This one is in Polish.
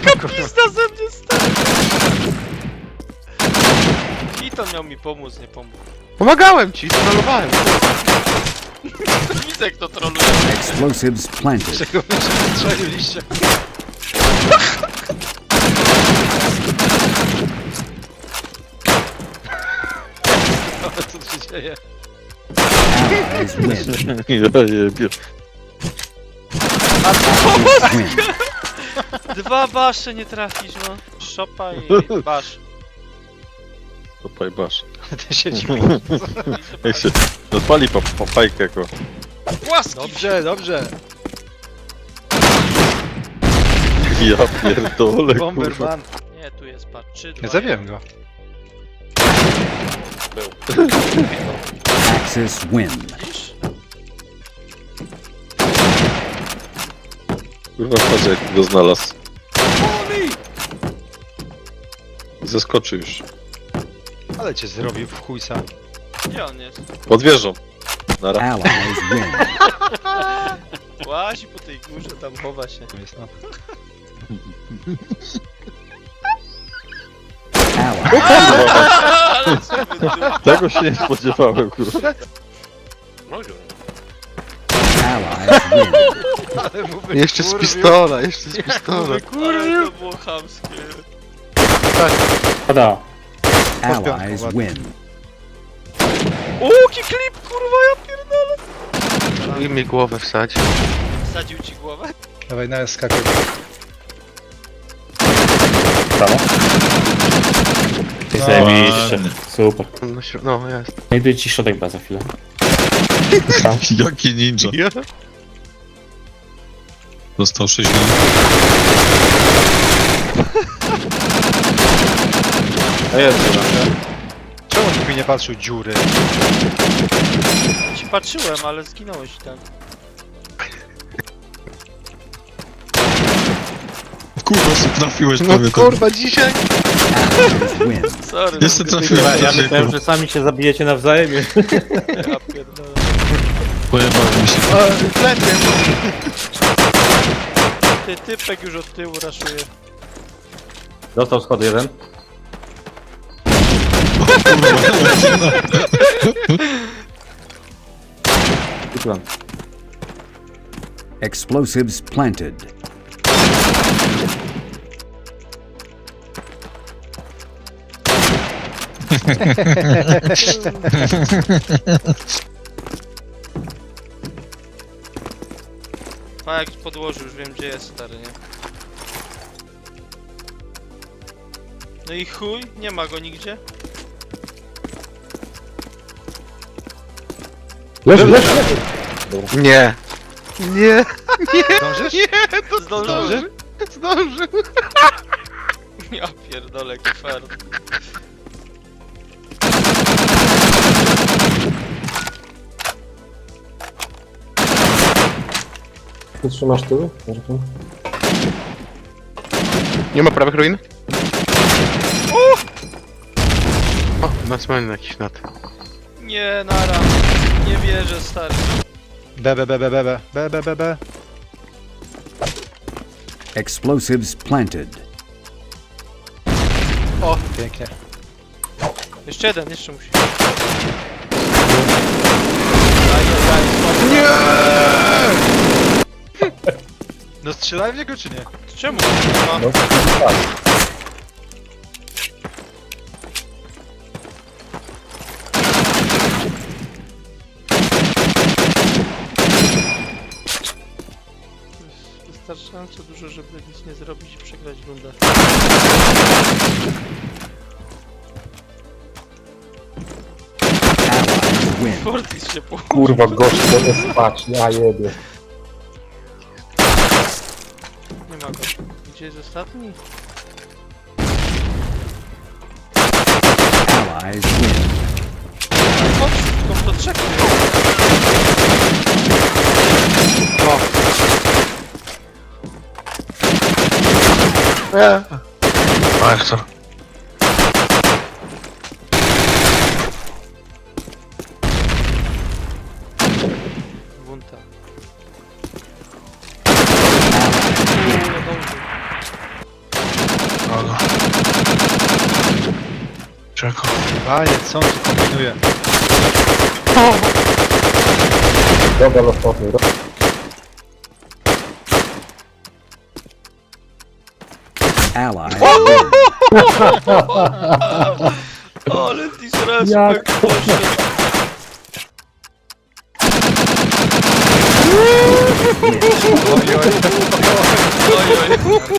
Jaka pizda ze mnie stary! I to miał mi pomóc, nie pomógł. Pomagałem ci, trollowałem. Widzę kto troluje. Explosives planted. Czego wy się strzeliliście? Ale co tu się dzieje? Allies win. Ja jebie. Win. Dwa basze nie trafisz, no. Szopa i basz. Opaj basz. Ty się dziwisz. Jak się odpali papajkę go. Płaski! Dobrze, dobrze. Ja pierdolę, kurwa. Bomberman. Nie, tu jest, patrz, 3, 2, Nie zabiłem go. Axis win. Widzisz? Kurwa, patrz jak go znalazł. Zeskoczy już. Ale cię zrobił w chuj sam. Gdzie on jest? Pod wieżą. Nara. Allies win. Łazi po tej górze, tam chowa się. Jest, no. Allies. Ale co wy Tego się nie spodziewałem, kurwa. Allies win. Ale mu Jeszcze z wykurwił. pistola, jeszcze z pistola. Ale to było chamskie. Pada. Allies win. Łuki klip, kurwa, ja pierdolę. I mi głowę wsadzi. Wsadził ci głowę? Dawaj, na skakuj. Brawo. Zajebiście. Super. No jest. Znajduję ci środek B za chwilę. Jaki ninja. Dostał 6 A jest, czemu nikt mi nie patrzył dziury? Ci patrzyłem, ale zginąłeś i tak. Kurwa, co trafiłeś No kurwa, dzisiaj? Allies win. Sorry, Jeszcze no, trafiłem. Ja myślałem, że sami się zabijecie nawzajem. ja pierdolę. Pojebałem się. Klękiem. Ty, typek już od tyłu raszuje. Dostał schody jeden. I plan. Explosives planted. A jak podłożył, już wiem gdzie jest stary, nie? No i chuj, nie ma go nigdzie. Nie. Nie. Dążysz? Zdążyłem. Zdąży. Ja pierdolę, kwer. Ty trzymasz tyły? Nie ma prawych ruin? O, na cmenę jakiś nad. Nie, nara. Nie wierzę, stary. B, B, B, B, B, B, B, B, B. Explosives planted. O, pięknie. Jeszcze jeden, jeszcze musi. Nie! No strzelałem w niego czy nie? Czemu? No. Wystarczająco dużo, żeby nic nie zrobić i przegrać rundę. Allies win. Fortis się położył. Kurwa, gość, to jest spać, ja jebie. Nie ma go. Gdzie jest ostatni? Allies win. Chodź, tylko do trzech. Bardzo. Wunta. Allies win. Nie dążył. Czeko. Panie, co on tu kombinuje? Dobra, losowny. Ally win. Ale disrespect, Jak? proszę. Oj, oj. Oj, oj.